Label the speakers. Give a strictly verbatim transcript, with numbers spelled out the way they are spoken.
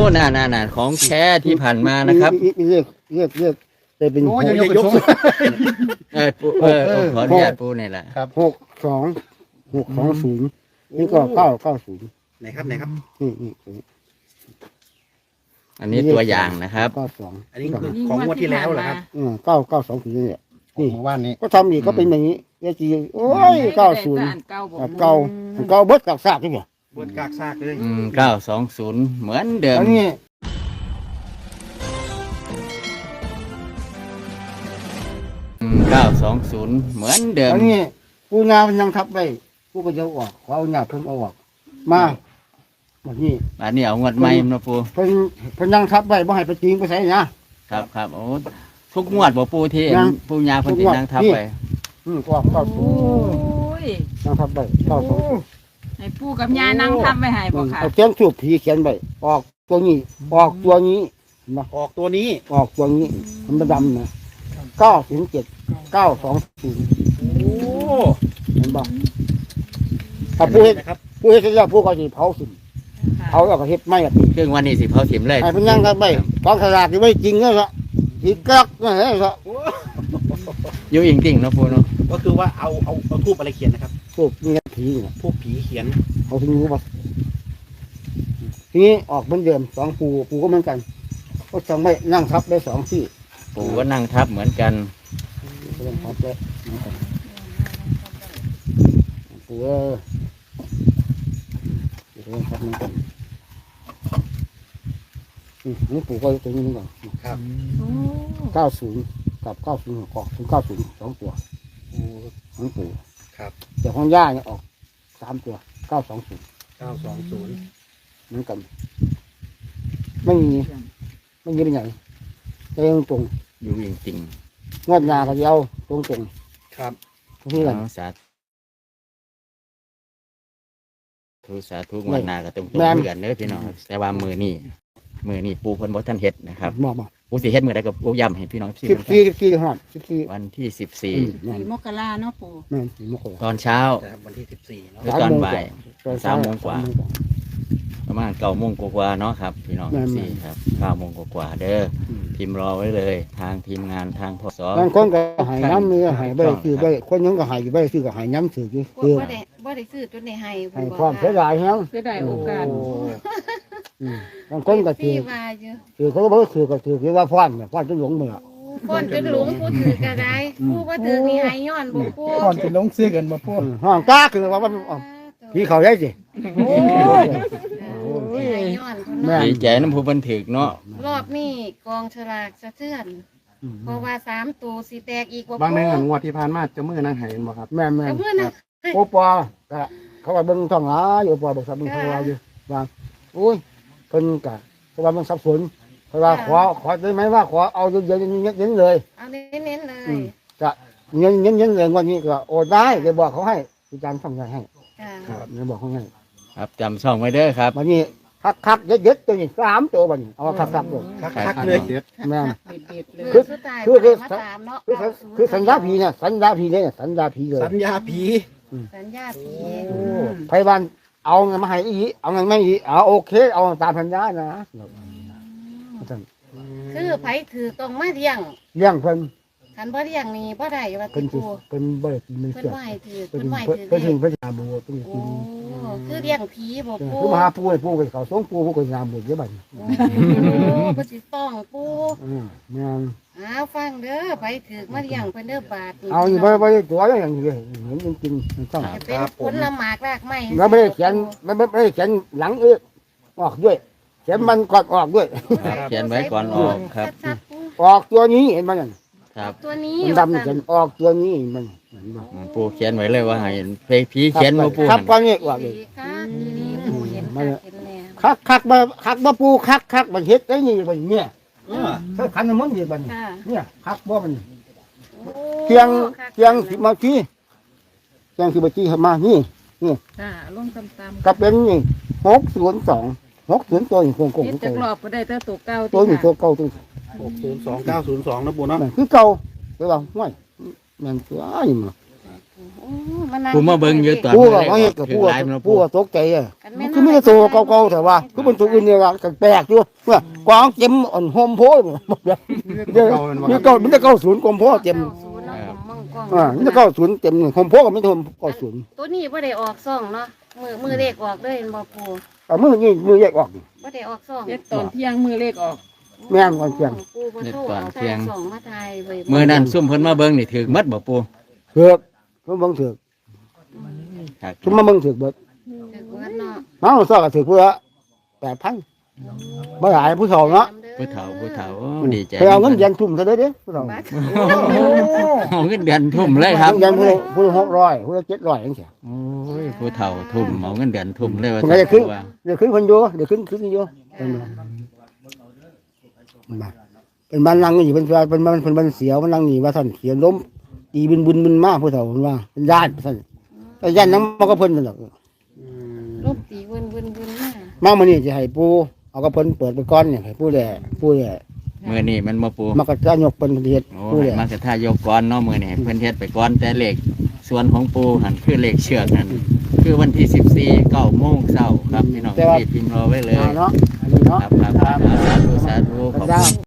Speaker 1: น่าน่าน่าของแท้ที่ผ่านมานะครับ
Speaker 2: เรียกเรียกเรียกแต่เป็น
Speaker 3: โอ้
Speaker 2: ห
Speaker 3: ยัง
Speaker 2: ก
Speaker 3: ยกยก
Speaker 1: เออปูเออผมขออนุญาตปูนี่แหละ
Speaker 3: ครับ
Speaker 2: หกสองหกสองศูนย์นี่ก็เก้าเก้าศูนย์
Speaker 3: ไหนครับไหนครับ
Speaker 2: นี่นี่
Speaker 1: อันนี้ตัวอย่างนะครับ
Speaker 2: เก้าสอง
Speaker 3: อันนี้คือของงวดที่แล้วเหรอครับ
Speaker 2: อืมเก้าเก้าสองศูนย์นี่แหละ
Speaker 3: ของเมื่อวานนี้
Speaker 2: ก็ทำอีกก็เป็นอย่างนี้เอจีโอ้ยเก้าศูนย์เก้าเก้าเก้าเบิดกับซากนี่ไง
Speaker 3: บนกากซากเลย
Speaker 1: อืมเก้าสองศูนย์เหมือนเดิม
Speaker 2: อันนี้
Speaker 1: เก้าสองศูนย์เหมือนเดิม
Speaker 2: อันนี้ผู้งานมันยังทับไว้ผู้ก็จะออกเขาเอาหน้าเพิ่งเอาออกมาแบบนี้
Speaker 1: อันนี้เอางวดใหม่นะปู
Speaker 2: เพิ่นเพิ่นยังทับไว้บ่ให้ไปจริงไปใส่นะครับ
Speaker 1: ครับโอ้ทุกงวดบ่ปูที่
Speaker 2: ยัง
Speaker 1: ปูยาเพิ่นสินั่งทับไป
Speaker 2: อืมก็ออกเก้าศู
Speaker 4: โอ้
Speaker 2: นย์
Speaker 4: ย
Speaker 2: ยังทับไว้เก้าสองศูนย์
Speaker 4: ให้ปู่กับย่านั่งทำไว้ให้บ่ค่ะ
Speaker 2: เอาเขียนสูบผีเขียนไว้ออกตัวนี้ ออกตัวนี้มา
Speaker 3: ออกตัวนี้
Speaker 2: ออกตัวนี้มันดำนะเก้าศูนย์เจ็ดเก้าสองศูนย์
Speaker 3: โอ้
Speaker 2: เห็นบ่ถ้าผู้เฮ็ด
Speaker 3: นะครับ
Speaker 2: ผู้เฮ็ดเสร็จแล้วผู้ก็สิเผาสิเผาแล้วก็เฮ็ดไม่อะ
Speaker 1: ครึ่งวันนี้สิเผาถิ่มเลย
Speaker 2: ไอ้เพิ่นยังทับไว้กองสลากที่ไม่จริงแล้วละอีกกักนะเฮ้ยละ
Speaker 1: อยู่จริงๆเนาะปูเนาะ
Speaker 3: ก็คือว่าเอาเอาเอาทูบอะไรเขียนนะครับ
Speaker 2: พวกนี้ผีเนี่ย
Speaker 3: ทูบผีเขียน
Speaker 2: เขาถึงรู้ป่ะทีนี้ออกเหมือนเดิมสองปูปูก็เหมือนกันก็สองไม่นั่งทับได้สองที่
Speaker 1: ปูก็นั่งทับเหมือนกัน
Speaker 2: เรื่องทับได้เหมือนกันปูเออเรื่องทับเหมือนกันอืมนี่ปูก็ตัวนี้เหมือนกัน
Speaker 3: ครับ
Speaker 4: โอ้
Speaker 2: เก้าศูนย์กับเก้าศูนย์ออกถึงเก้าศูนย์สองตัว
Speaker 3: โอ้
Speaker 2: ของปู
Speaker 3: ครับ
Speaker 2: แต่ของย่าเนี่ยออกสามตัวเก้าสองศูนย์
Speaker 3: เก้าสองศูนย์
Speaker 2: เหมือนกัน ไม่มีไม่มีเป็นไหนเรื่องตรง
Speaker 1: อยู่จริง
Speaker 2: งวดหนาก็เดียวตรงตรง
Speaker 3: ครับ
Speaker 2: ๆที่
Speaker 1: ๆ
Speaker 2: กัน
Speaker 1: เอาสาธุสาธุงวดหน้าก็ต้อง
Speaker 2: แม่น
Speaker 1: เพื่อนเด้อพี่น้องแต่ว่ามือนี่มือนี่ปูเพิ่นบ่ทันเฮ็ดนะครับ
Speaker 2: บอกบอก
Speaker 1: ปูสิเฮ็ดมื้อใดก็ปูย้ำให้พี่น้องพี่
Speaker 2: สิบสี่สิบสี่หอดสิบสี่
Speaker 1: วันที่สิบสี่
Speaker 2: แม่น
Speaker 4: ยมกราเนาะปู่
Speaker 2: แม่นสี่โมงกว่า
Speaker 1: ตอนเช้า
Speaker 3: นะครับวันที่สิบสี่เนาะ
Speaker 1: หรือตอนบ่าย สามโมงกว่า
Speaker 2: สมโมง
Speaker 1: ประมาณเก้าโมงกว่าๆเนาะครับพี่น้อง
Speaker 2: แม่นๆ
Speaker 1: สี่ครับเก้าโมงกว่าๆเด้อ
Speaker 2: อืม
Speaker 1: พิมพ์รอไว้เลย ทางทีมงานทางพศ
Speaker 2: บางคนก็ใหายน้ำนี่ใหายใบซื้อใบคนยังก็ใหายใบซื้อก็ใหายน้ำซื้ออยู่
Speaker 5: บ่
Speaker 2: คือ
Speaker 5: บ่ได้บ่ได้ซื้อจนได้ให้
Speaker 2: ใหายความเสียดายแฮง
Speaker 4: เสียดายโอกาส
Speaker 2: อืมบางคนก็ถื
Speaker 5: พี่
Speaker 2: อ
Speaker 5: ว่าอยู่
Speaker 2: ถือเขาก็บอกว่าถือก็ถือคือว่าฟ้อนเนี่ยฟ้อนจนหลงเมื่อ
Speaker 5: คนจนหลงผู้ถือก็ได้ผู้บ่ถือนี่ให้ย้อนบ่ผู้
Speaker 3: ก่อนจะลงซื้อกันมาพูด
Speaker 2: อืมห้องกล้าคือว่ามันอ๋อพี่เขาได้สิ
Speaker 5: โอ้ยให้ย้อนคน
Speaker 2: แม่
Speaker 5: เนาะ
Speaker 1: ดีใจน้ำผู้บันถึกเนาะ
Speaker 5: รอบนี้กองฉลากสะเทือน
Speaker 2: อืม
Speaker 5: เพราะว่าสามตัวสิแตกอีกบ่
Speaker 3: บางในงานงวดที่ผ่านมาจะมือนั่งหายบ่ครับ
Speaker 2: แม่นแม่
Speaker 5: แต่
Speaker 2: น
Speaker 5: เพื่อนน่ะ
Speaker 2: โอปอก็เขาว่าเบิ่งท้องหลาอยู่โอปอบอกสับเบิ่งท้องหลาอยู่ว่าโอ้ยเพิ่นก็เพราะว่ามันสับสนเพราะว่าขอขอได้ไหมว่าขอเอาเย็นๆเย็นๆเลย
Speaker 5: เอาเน้นๆเล
Speaker 2: อื
Speaker 5: ย
Speaker 2: มจะเงินเงินเงินเลยวันนี้ก็โอนได้เลยบอกเขาให้อาจารย์ส่งเงินให้
Speaker 5: จ้า
Speaker 2: ครับเลยบอกเขาให้
Speaker 1: ครับจำช่องไว้เด้อครับ
Speaker 2: วันนี้คักคักๆเย็ดเย็ดๆตัวนี้สามตัววันนี้เอาคักคักๆตัว
Speaker 3: คักๆเลย
Speaker 2: แม่น
Speaker 4: เด็ดๆเลย
Speaker 2: คือ
Speaker 5: สุดท้าย
Speaker 2: คือคือ
Speaker 5: มาตามเนาะ
Speaker 2: คือคือสัญญาผีเนี่ยสัญญาผีเนี่ยสัญญาผีเลย
Speaker 3: สัญญาผี
Speaker 5: สัญญาผี
Speaker 2: ไพวันเอาเงินมาให้อีเอาเงินไม่อีเอาโอเค เอาตามสัญญานะท่าน
Speaker 5: คือไผถือต้องมาเลี้ยง
Speaker 2: เลี้ยงเพิ่น
Speaker 5: คันบ่เลี้ยงนี่บ่ได้ว่า
Speaker 2: เพิ่
Speaker 5: ติ
Speaker 2: นสิ
Speaker 5: ปู
Speaker 2: เพิ่นบ่ได้กินมัน
Speaker 5: เพิ่น
Speaker 2: เกิด
Speaker 5: บ่ให้ถือ
Speaker 2: เพิ่
Speaker 5: เพิ่
Speaker 2: น
Speaker 5: นบ่ให้
Speaker 2: เพิ่น
Speaker 5: ถือ
Speaker 2: เพิ่น
Speaker 5: เลี้ยง
Speaker 2: เพิ่นหาบัวเพิ่น
Speaker 5: โอ้
Speaker 2: กิน
Speaker 5: คือเลี้ยงผีบ่
Speaker 2: เออ
Speaker 5: ปู
Speaker 2: คือมาหาปูให้ปูไปเขาส่งปูปูก็ยามบุญเยอะบัดนี้
Speaker 5: โอ้บ่สิต้องปู
Speaker 2: อืมแม่น
Speaker 5: อ้าวฟังเด้อไปถือมาเลี้ยงเพิ่นเด้อบาทนี่
Speaker 2: เอาอยู่บ่บ่ได้ตัวอย่างนี้เลยเห็นจริงๆมันต้อง
Speaker 5: จะเป็นผลละหมากรากไม้
Speaker 2: แล้วไม่ได้เขียนไม่ไม่ไม่ได้เขียนหลังเอื้อออกด้วยเขียนมันก่อนออกด้วย
Speaker 1: ครับเขียนไว้ก่อนออกครับ
Speaker 5: ชัดๆปู
Speaker 2: ออกตัวนี้เห็นมันนั่น
Speaker 1: ครับ
Speaker 5: ตัวนี้
Speaker 2: มันดำเขียนออกตัวนี้มันเห็นบ่
Speaker 1: อืมปูเขียนไว้เลยว่าให้เพผีเขียนมาปู
Speaker 2: ครับ
Speaker 1: หั่น
Speaker 2: ก็นี่ออกเลย
Speaker 5: ดีค่ะดีนี่ปูเห็นค่ะเห็นแน่
Speaker 2: คักคักมาคักมาปูคักคักมันเฮ็ดได้นี่มันเนี่ย
Speaker 3: เออ
Speaker 2: ถ้าขันมันดีมัน
Speaker 5: ค่ะ
Speaker 2: เนี่ยคักบ่มัน
Speaker 5: โอ้
Speaker 2: เตียง
Speaker 5: ค่ะ
Speaker 2: เตียงสิมาที่เตียงสิมาที่มานี่
Speaker 4: ค่ะลงตาม
Speaker 2: ก็เป็นนี่หกศูนย์สองหกศูนย์ตัวนี่โกงโก
Speaker 4: ๆ
Speaker 2: ง
Speaker 4: เฮ็ดจักรอบก็ได้แต่ตัวเก่า
Speaker 2: ตัวนี้ตัวเก่าตัว
Speaker 3: หกศูนย์สองเก้าศูนย์สองนะปูเนาะ
Speaker 2: นั่นคือเก่าไปว่าห้วยแม่นตัวอ้ายมา
Speaker 5: โอ้มานั่ง
Speaker 1: ปูมาเบิ่งอยู่ตอน
Speaker 2: ผู้ก็
Speaker 1: แรก
Speaker 2: ว่าเฮ็ดกับ
Speaker 1: ถื
Speaker 2: ผู้
Speaker 1: อ
Speaker 2: ก็
Speaker 1: หลายมัน
Speaker 2: ผู้
Speaker 1: ปู
Speaker 2: ก็ตกใจอ่ะ
Speaker 5: กัน
Speaker 2: มั
Speaker 5: แม่
Speaker 2: น
Speaker 5: น
Speaker 2: คือมีแต่ตัวเก่าๆแต่ว่าคือเป็นตัวอื่นเนี่ยว่าแปลกอยู่เมื่อกวางเต็มอ่อนโฮมโพดเดี๋ยวเดี๋ยวมีเก้ามีแต่เก้าศูนย์กลมโพเต็ม
Speaker 5: เก้าศูนย์เนาะผมมองกล้อง
Speaker 2: อ่ามีแต่เก้าศูนย์เต็มโฮมโพก็มีแต่เก้าศูนย์
Speaker 5: ตัวนี้บ่ได้ออกซ่องเนาะมือมือเลขออกเลยเห็นบ่ปู
Speaker 2: อ่ามือนี่มือแยกออก
Speaker 5: บ่ได้ออกซ่อง
Speaker 4: เฮ็ดตอนเที่ยงมือเลขออก
Speaker 2: แม่นก่อนเที่ยง
Speaker 5: ปูบ่โทรเอาแต่ซ่องมาทายไว้
Speaker 1: มือนั้นซุ่มเพิ่นมาเบิ่งนี่ถือมัดบ่ปู
Speaker 2: เถือกคือเบิ่งเถือก
Speaker 1: ครับ
Speaker 2: คือมาเบิ่งเถือกเบิด
Speaker 5: ถึกเบิดเนาะ
Speaker 2: น้องซอกก็ถือกเพื่อแปดพันบ่หลายผู้เฒ่าเนาะ
Speaker 1: ผู้เฒ่าผู้เฒ่าโอ้ดีใจ
Speaker 2: ไปเอาเงินเดือนทุ่มซะเด้อเด้ผู้เฒ่า
Speaker 1: เอาเงินเดือนทุ่มเลยครับ
Speaker 2: เงินเดือนผู้ละผู้ละหกร้อยผู้ละเจ็ดร้อยจังซี่
Speaker 1: โอ้ยผู้เฒ่าทุ่มเอาเงินเดือนทุ่มเลยว่า
Speaker 2: ผมก็จะขึ้น
Speaker 1: ว่า
Speaker 2: เดี๋ยวขึ้นคนอยู่เดี๋ยวขึ้นขึ้นอยู่เป็นบ้านเป็นบ้านนั่งอยู่เป็นเป็นบ้านเป็นบ้านเสียวมันนั่งนี่ว่าท่านเขียนล้มตีบินบุญบุญมาผู้เฒ่ามันว่าเป็นญาติท่านแต่ญาตินั้นมันก็เพิ่นนั่นแหละ
Speaker 5: ลบตีวนวนวนมา
Speaker 2: มามานี่จะให้ปูเอากระเพิ่นเปิดไปก้อนเนี่ยให้ปูแหล่ปูแหล่
Speaker 1: มือนี่มันมาปู
Speaker 2: มากระจายกเพิ่นเฮ็ด
Speaker 1: โอ้
Speaker 2: ปูแห
Speaker 1: ให้
Speaker 2: ล่
Speaker 1: มากระทายกก่อนเนาะมือนี่ให้เพิ่นเฮ็ดไปก่อนแต่เลขส่วนของปูหันคือเลขเชือกนั่นคือวันที่สิบสี่เก้าโมงเช้าครับพี่น้องรีบพิมพ์รอไว้เลย
Speaker 2: เนาะอันนี้เนาะ
Speaker 1: ครับครับครับสาธุสาธุขอบคุณ